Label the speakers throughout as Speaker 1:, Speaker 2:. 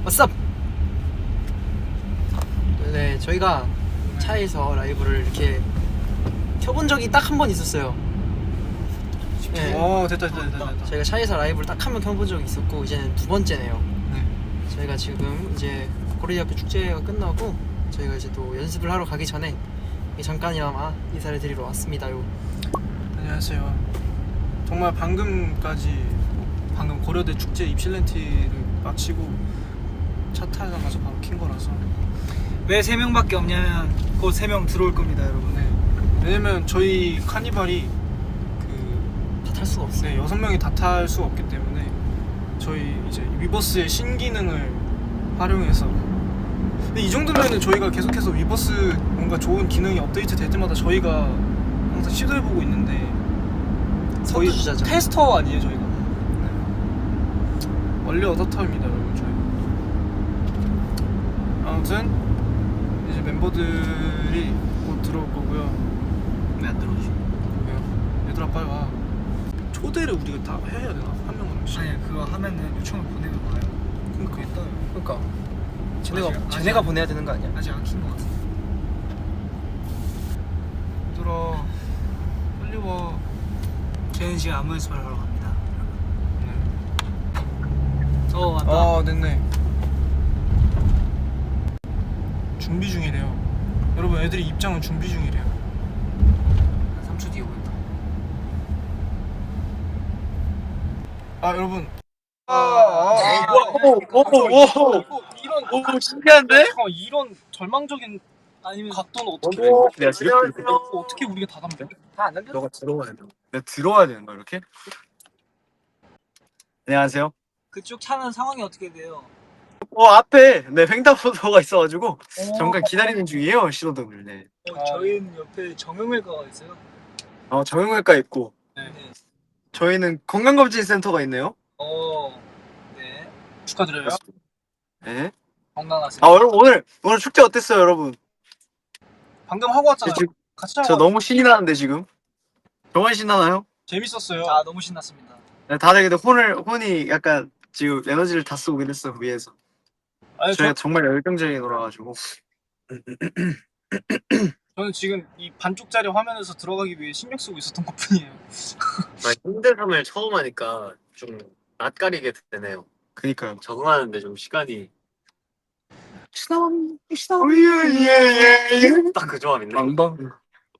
Speaker 1: What's up? 네, 저희가 차에서 라이브를 이렇게 켜본 적이 딱 한 번 있었어요. 네.
Speaker 2: 됐다.
Speaker 1: 저희가 차에서 라이브를 딱 한 번 켜본 적이 있었고 이제는 두 번째네요.
Speaker 2: 네.
Speaker 1: 저희가 지금 이제 고려대학교 축제가 끝나고 저희가 이제 또 연습을 하러 가기 전에 잠깐이나마 인사를 드리러 왔습니다요.
Speaker 2: 안녕하세요. 정말 방금 고려대 축제 입실렌티를 마치고 차 타고 바로 킨 거라서.
Speaker 3: 왜 3명밖에 없냐면 곧 3명 들어올 겁니다, 여러분.
Speaker 2: 네. 왜냐면 저희 카니발이
Speaker 1: 다 탈 수가 없어요.
Speaker 2: 네, 6명이 다 탈 수가 없기 때문에 저희 이제 위버스의 신기능을 활용해서, 근데 이 정도면은 저희가 계속해서 위버스 뭔가 좋은 기능이 업데이트 될 때마다 저희가 항상 시도해보고 있는데 거의
Speaker 1: 선두주자죠.
Speaker 2: 테스터 아니에요 저희가. 네. 원래 어답터입니다 여러분 저희. 아무튼 이제 멤버들이 곧 들어올 거고요.
Speaker 3: 왜 안 들어오지?
Speaker 2: 왜요? 얘들아 빨리 와. 초대를 우리가 다 해야 되나? 한 명씩.
Speaker 3: 아니, 그거 하면은 요청을 보내면 와요.
Speaker 2: 그러니까
Speaker 1: 그러니까
Speaker 3: 아직
Speaker 1: 쟤네가 보내야 되는 거 아니야?
Speaker 3: 아직 안 킨 것 같아.
Speaker 2: 얘들아 빨리 와.
Speaker 3: 저희는 지금 안무 연습을 하러 갑니다.
Speaker 2: 네.
Speaker 3: 왔다.
Speaker 2: 아 됐네. 준비 중이래요. 여러분 애들이 입장은 준비 중이래요.
Speaker 3: 3초 뒤에 오겠다.
Speaker 2: 아 여러분.
Speaker 1: 오 신기한데?
Speaker 2: 이런 절망적인
Speaker 3: 아니면
Speaker 2: 각도는 어떻게?
Speaker 4: 내가 이렇게
Speaker 2: 어떻게 우리가 다 담겨?
Speaker 1: 다안 남겨?
Speaker 4: 너가 들어와야 돼. 내가 들어와야 되는 거야 이렇게? 안녕하세요.
Speaker 3: 그쪽 차는 상황이 어떻게 돼요?
Speaker 4: 앞에 횡단보도가 있어가지고 잠깐 기다리는 중이에요 신호등을. 네.
Speaker 3: 저희는 옆에 정형외과가 있어요.
Speaker 4: 정형외과 있고
Speaker 3: 네.
Speaker 4: 저희는 건강검진센터가 있네요.
Speaker 3: 네.
Speaker 2: 축하드려요.
Speaker 4: 네.
Speaker 3: 건강하세요.
Speaker 4: 여러분 오늘 축제 어땠어요 여러분?
Speaker 2: 방금 하고 왔잖아요.
Speaker 4: 지금
Speaker 2: 같이
Speaker 4: 저
Speaker 2: 하고
Speaker 4: 너무 신이 나는데 지금. 정말 신나나요?
Speaker 2: 재밌었어요.
Speaker 3: 아, 너무 신났습니다.
Speaker 4: 네, 다들 근데 혼이 약간 지금 에너지를 다 쓰고 그랬어 위에서.
Speaker 2: 아니,
Speaker 4: 저희가 정말 열정적인 놀아가지고.
Speaker 2: 저는 지금 이 반쪽짜리 화면에서 들어가기 위해 신경 쓰고 있었던 것뿐이에요.
Speaker 5: 힘듦을 처음 하니까 좀 낯가리게 되네요.
Speaker 4: 그니까요.
Speaker 5: 적응하는데 좀 시간이
Speaker 4: 예예예.
Speaker 5: 딱 그 조합인데.
Speaker 4: 방방.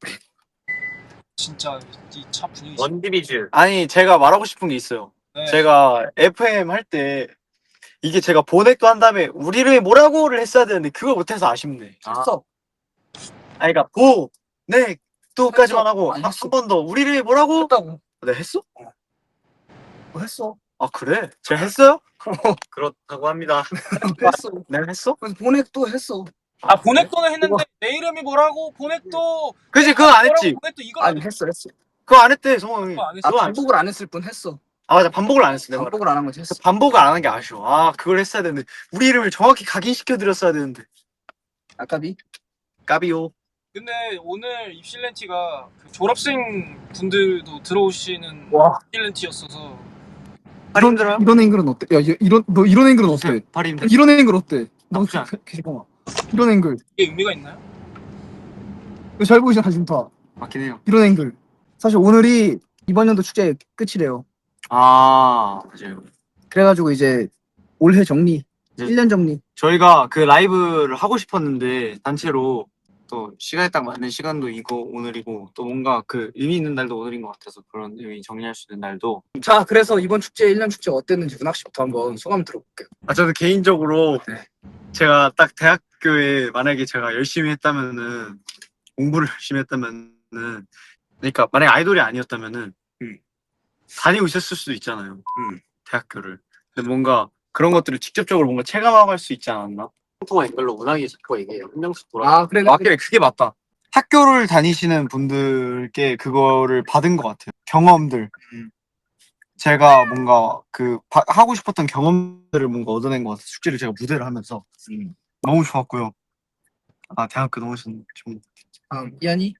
Speaker 2: 진짜 이 차 분위기.
Speaker 5: 원디비즈.
Speaker 4: 아니 제가 말하고 싶은 게 있어요.
Speaker 2: 네.
Speaker 4: 제가 FM 할 때 이게 제가 보넥도 한 다음에 우리를 뭐라고를 했어야 되는데 그걸 못해서 아쉽네.
Speaker 5: 했어.
Speaker 4: 그러니까 보넥도까지만 하고 한 번 더 우리를 뭐라고? 했다고. 내가 했어?
Speaker 6: 했어.
Speaker 4: 아 그래? 제가 했어요?
Speaker 5: 그렇다고 합니다.
Speaker 6: 했어.
Speaker 4: 내가 했어?
Speaker 6: 그래서 보넥도 했어.
Speaker 2: 보넥도는 했는데 내 이름이 뭐라고? 보넥도.
Speaker 4: 그지 그거 안 했지.
Speaker 2: 보넥도 이거
Speaker 6: 아니 했어.
Speaker 4: 그거 안 했대 성형이.
Speaker 2: 그거 안 했어.
Speaker 4: 그거 안 했어.
Speaker 6: 반복을 안 했을 뿐 했어.
Speaker 4: 맞아 반복을 안 했어 내가.
Speaker 6: 반복을 안 한 거지 했어.
Speaker 4: 반복을 안 한 게 아쉬워. 그걸 했어야 되는데 우리 이름을 정확히 각인시켜 드렸어야 되는데.
Speaker 6: 아까비.
Speaker 4: 까비오.
Speaker 2: 근데 오늘 입실렌티가 그 졸업생 분들도 들어오시는
Speaker 6: 와.
Speaker 2: 입실렌티였어서
Speaker 6: 이런 앵글은 어때? 야 너 이런 앵글은 어때?
Speaker 4: 발이 힘들어.
Speaker 6: 이런 앵글 어때? 너
Speaker 4: 나쁘지 않아.
Speaker 6: 잠깐만. 이런 앵글.
Speaker 2: 이게 의미가 있나요?
Speaker 6: 이거 잘 보이시나 사진 다.
Speaker 4: 맞긴 해요.
Speaker 6: 이런 앵글. 사실 오늘이 이번 연도 축제 끝이래요.
Speaker 4: 맞아요.
Speaker 6: 그래가지고 이제 올해 정리.
Speaker 4: 이제
Speaker 6: 1년 정리.
Speaker 4: 저희가 그 라이브를 하고 싶었는데 단체로 또 시간에 딱 맞는 시간도 이거 오늘이고 또 뭔가 그 의미 있는 날도 오늘인 것 같아서 그런 의미 정리할 수 있는 날도.
Speaker 6: 자 그래서 이번 축제 1년 축제 어땠는지 문학 씨부터 한번 소감 들어볼게요.
Speaker 4: 저는 개인적으로
Speaker 6: 네.
Speaker 4: 제가 딱 대학교에 만약에 제가 열심히 했다면은 공부를 열심히 했다면은 그러니까 만약에 아이돌이 아니었다면은 다니고 있었을 수도 있잖아요. 대학교를. 근데 뭔가 그런 것들을 직접적으로 뭔가 체감하고 할 수 있지 않았나?
Speaker 5: 통화 댓글로 문학이 자꾸 얘기해요. 한 명씩 돌아.
Speaker 6: 그래.
Speaker 4: 맞게 그게 맞다. 학교를 다니시는 분들께 그거를 받은 것 같아요. 경험들. 제가 뭔가 하고 싶었던 경험들을 뭔가 얻어낸 것 같아요. 축제를 제가 무대를 하면서 너무 좋았고요. 대학교 너무 좋은.
Speaker 6: 이한이.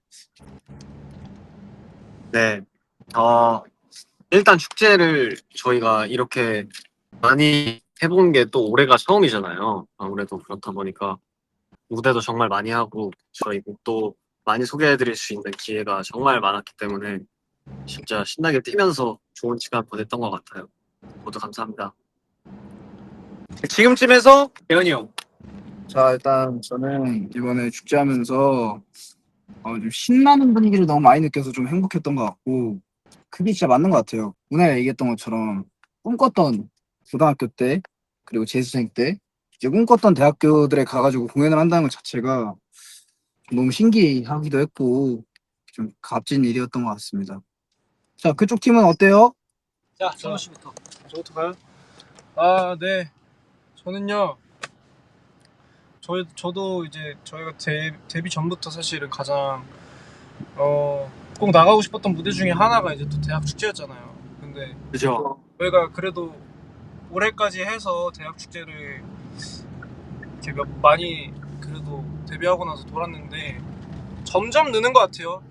Speaker 5: 네. 일단 축제를 저희가 이렇게 많이 해본 게 또 올해가 처음이잖아요. 아무래도 그렇다 보니까 무대도 정말 많이 하고 저희 곡도 많이 소개해드릴 수 있는 기회가 정말 많았기 때문에 진짜 신나게 뛰면서 좋은 시간 보냈던 것 같아요. 모두 감사합니다.
Speaker 4: 지금쯤에서 대현이 형.
Speaker 6: 자, 일단 저는 이번에 축제하면서 좀 신나는 분위기를 너무 많이 느껴서 좀 행복했던 것 같고, 그게 진짜 맞는 것 같아요. 문화가 얘기했던 것처럼 꿈꿨던 고등학교 때, 그리고 재수생 때, 이제 꿈꿨던 대학교들에 가가지고 공연을 한다는 것 자체가 너무 신기하기도 했고, 좀 값진 일이었던 것 같습니다. 자, 그쪽 팀은 어때요?
Speaker 3: 자, 성호 씨부터.
Speaker 2: 저부터 가요? 아, 네. 저는요. 저도 이제 저희가 데뷔 전부터 사실은 가장 꼭 나가고 싶었던 무대 중에 하나가 이제 또 대학 축제였잖아요. 근데
Speaker 4: 그죠.
Speaker 2: 저희가 그래도 올해까지 해서 대학 축제를 이렇게 많이 그래도 데뷔하고 나서 돌았는데 점점 느는 것 같아요.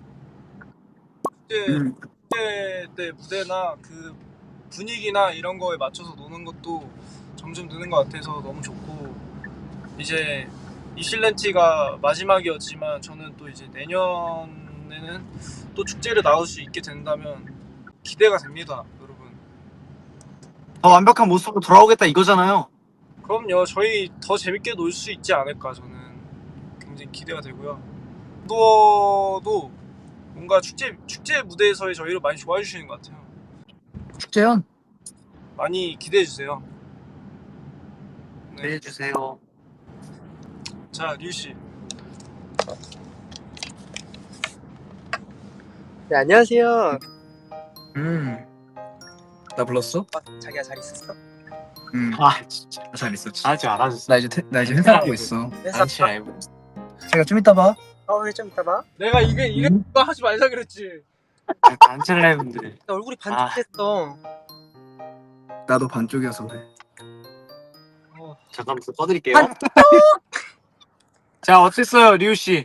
Speaker 2: 축제 때 무대나 그 분위기나 이런 거에 맞춰서 노는 것도 점점 느는 것 같아서 너무 좋고, 이제 이실렌티가 마지막이었지만 저는 또 이제 내년에는 또 축제를 나올 수 있게 된다면 기대가 됩니다, 여러분.
Speaker 4: 더 완벽한 모습으로 돌아오겠다 이거잖아요.
Speaker 2: 그럼요, 저희 더 재밌게 놀 수 있지 않을까, 저는 굉장히 기대가 되고요. 도 뭔가 축제 무대에서의 저희를 많이 좋아해 주시는 것 같아요.
Speaker 6: 축제연?
Speaker 2: 많이 기대해 주세요. 네.
Speaker 4: 해주세요.
Speaker 2: 자, 류 씨.
Speaker 1: 네, 안녕하세요.
Speaker 6: 나 불렀어?
Speaker 1: 자기야 잘 있었어?
Speaker 4: 아 진짜.
Speaker 6: 잘 있었지.
Speaker 5: 아직 안 하셨어요.
Speaker 6: 나 이제 회사하고 있어.
Speaker 5: 단체 라이브.
Speaker 6: 제가 좀 이따 봐.
Speaker 1: 네, 좀 이따 봐.
Speaker 2: 내가 이거 하지 말자 그랬지.
Speaker 5: 단체 라이브인데.
Speaker 1: 얼굴이 반쪽됐어.
Speaker 6: 나도 반쪽이어서 그래.
Speaker 5: 잠깐 좀 꺼드릴게요.
Speaker 4: 자 어땠어요 리우 씨?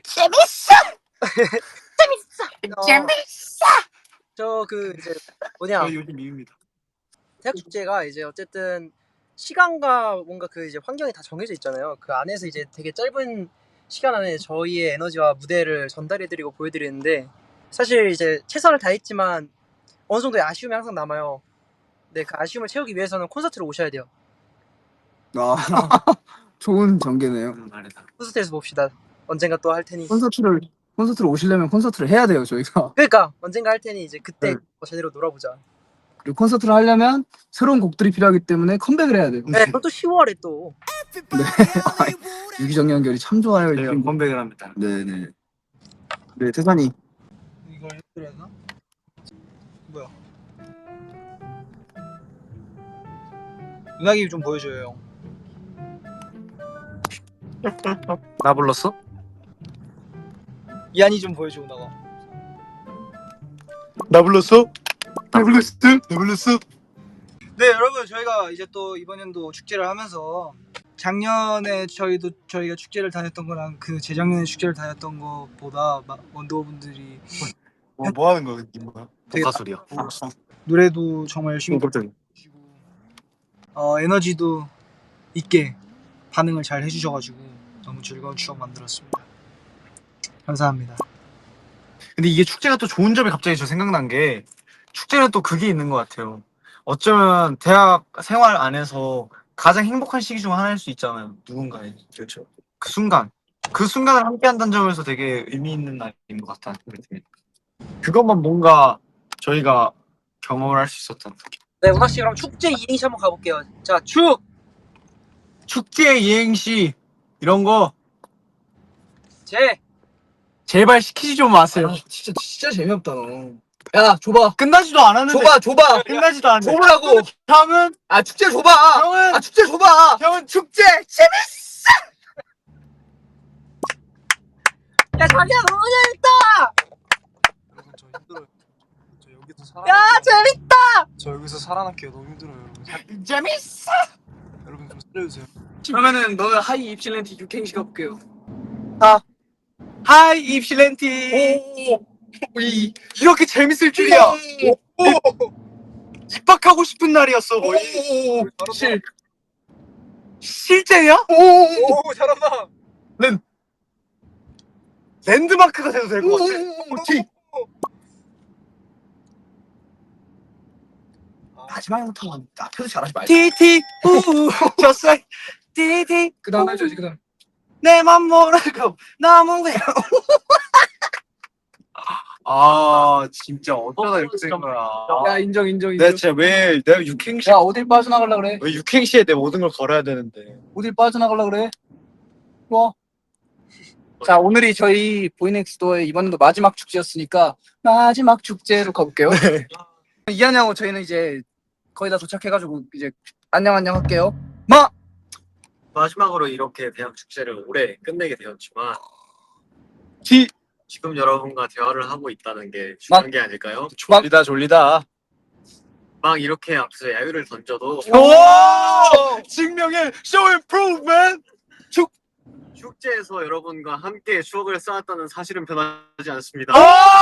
Speaker 1: 저 그 이제 뭐냐
Speaker 4: 저희 요즘 미입니다.
Speaker 1: 대학 축제가 이제 어쨌든 시간과 뭔가 그 이제 환경이 다 정해져 있잖아요. 그 안에서 이제 되게 짧은 시간 안에 저희의 에너지와 무대를 전달해드리고 보여드리는데, 사실 이제 최선을 다했지만 어느 정도의 아쉬움이 항상 남아요. 네, 그 아쉬움을 채우기 위해서는 콘서트를 오셔야 돼요.
Speaker 6: 아, 좋은 전개네요.
Speaker 5: 말이다.
Speaker 1: 콘서트에서 봅시다. 언젠가 또 할 테니.
Speaker 6: 콘서트를 오시려면 콘서트를 해야 돼요, 저희가.
Speaker 1: 그러니까 언젠가 할 테니 이제 그때
Speaker 6: 네.
Speaker 1: 제대로 놀아보자.
Speaker 6: 그리고 콘서트를 하려면 새로운 곡들이 필요하기 때문에 컴백을 해야 돼요.
Speaker 1: 네, 그럼 또 10월에 또.
Speaker 6: 유기적 연결이 참 좋아요.
Speaker 4: 저희가 컴백을 합니다.
Speaker 6: 네네. 네, 태산이.
Speaker 2: 이거 해드려야 되나? 뭐야?
Speaker 3: 은하기 좀 보여줘요, 형.
Speaker 4: 나 불렀어?
Speaker 3: 이한이 좀 보여줘, 은하가.
Speaker 4: 나 불렀어? 나 불렀어? 나 불렀어?
Speaker 3: 네, 여러분, 저희가 이제 또 이번 연도 축제를 하면서 작년에 저희가 축제를 다녔던 거랑 그 재작년에 축제를 다녔던 것보다 원더분들이
Speaker 4: 뭐 하는 거야 이 뭐야?
Speaker 5: 독가소리요.
Speaker 3: 노래도 정말 열심히
Speaker 4: 깜짝이야.
Speaker 3: 부르시고 에너지도 있게 반응을 잘 해주셔가지고 너무 즐거운 추억 만들었습니다. 감사합니다.
Speaker 4: 근데 이게 축제가 또 좋은 점이 갑자기 저 생각난 게, 축제는 또 그게 있는 것 같아요. 어쩌면 대학 생활 안에서 가장 행복한 시기 중 하나일 수 있잖아요. 누군가의. 그렇죠. 그 순간을 함께 한다는 점에서 되게 의미 있는 날인 것 같다는 생각이 듭니다. 그것만 뭔가 저희가 경험을 할 수 있었던 느낌.
Speaker 1: 네, 운학 씨 그럼 축제 이행시 한번 가볼게요. 자,
Speaker 4: 축제 이행시 이런 거
Speaker 1: 제.
Speaker 4: 제발 시키지 좀 마세요.
Speaker 6: 진짜 재미없다 너. 야, 줘봐.
Speaker 4: 끝나지도 않았는데.
Speaker 6: 줘봐.
Speaker 4: 끝나지도 않았는데.
Speaker 6: 줘보라고.
Speaker 4: 형은
Speaker 6: 아, 축제 줘봐.
Speaker 4: 형은
Speaker 6: 축제 줘봐.
Speaker 4: 형은 축제
Speaker 1: 야, 자기야 너무 재밌다.
Speaker 2: 여러분 저 힘들어요. 저 여기서
Speaker 1: 야, 재밌다.
Speaker 2: 저 여기서 살아남기가 너무 힘들어요, 여러분.
Speaker 4: 재밌어.
Speaker 2: 여러분 좀 살려주세요.
Speaker 6: 그러면은 너는 하이 입실렌티 육행시 가볼게요.
Speaker 4: 하이 입실렌티. 이렇게 재밌을 줄이야. 입학하고 싶은 날이었어 거의.
Speaker 6: 실. 실제야?
Speaker 3: 오 잘한다.
Speaker 4: 랜드마크가 돼도 될 것 같아.
Speaker 6: 마지막부터 앞에서 잘하지 말자.
Speaker 4: 티티 우 졌어. 티티
Speaker 6: 그 다음 해줘야지, 그 다음.
Speaker 4: 내맘 모르고 너무 외로. 아 진짜 어쩌다 이렇게 된 거야.
Speaker 6: 야, 인정.
Speaker 4: 내가 진짜 왜 내가 육행시
Speaker 6: 야, 어딜 빠져나가려 그래?
Speaker 4: 왜 육행시에 내 모든 걸 걸어야 되는데.
Speaker 6: 어딜 빠져나가려 그래? 와. 자, 오늘이 저희 보이넥스도의 이번도 마지막 축제였으니까 마지막 축제로 가볼게요. 이한양호 저희는 이제 거의 다 도착해가지고 이제 안녕 할게요.
Speaker 5: 마지막으로 이렇게 대학 축제를 올해 끝내게 되었지만
Speaker 4: 티
Speaker 5: 지금 여러분과 대화를 하고 있다는 게 중요한 게 아닐까요?
Speaker 4: 졸리다.
Speaker 5: 막 이렇게 앞서 야유를 던져도
Speaker 4: 오! 증명해 show improvement.
Speaker 5: 축제에서 여러분과 함께 추억을 쌓았다는 사실은 변하지 않습니다.
Speaker 4: 오!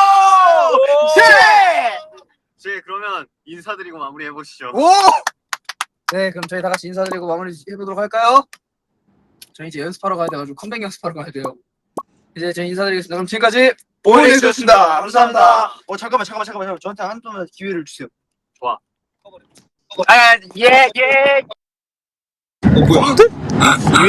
Speaker 4: 예!
Speaker 5: 이제 그러면 인사드리고 마무리해 보시죠.
Speaker 6: 오! 네, 그럼 저희 다 같이 인사드리고 마무리 해보도록 할까요? 저희 이제 연습하러 가야 돼가지고 컴백 연습하러 가야 돼요. 이제 저희 인사드리겠습니다. 그럼 지금까지
Speaker 4: 보이넥스였습니다. 감사합니다. 잠깐만. 저한테 한 번만 기회를 주세요.
Speaker 6: 예.
Speaker 3: 뭐야?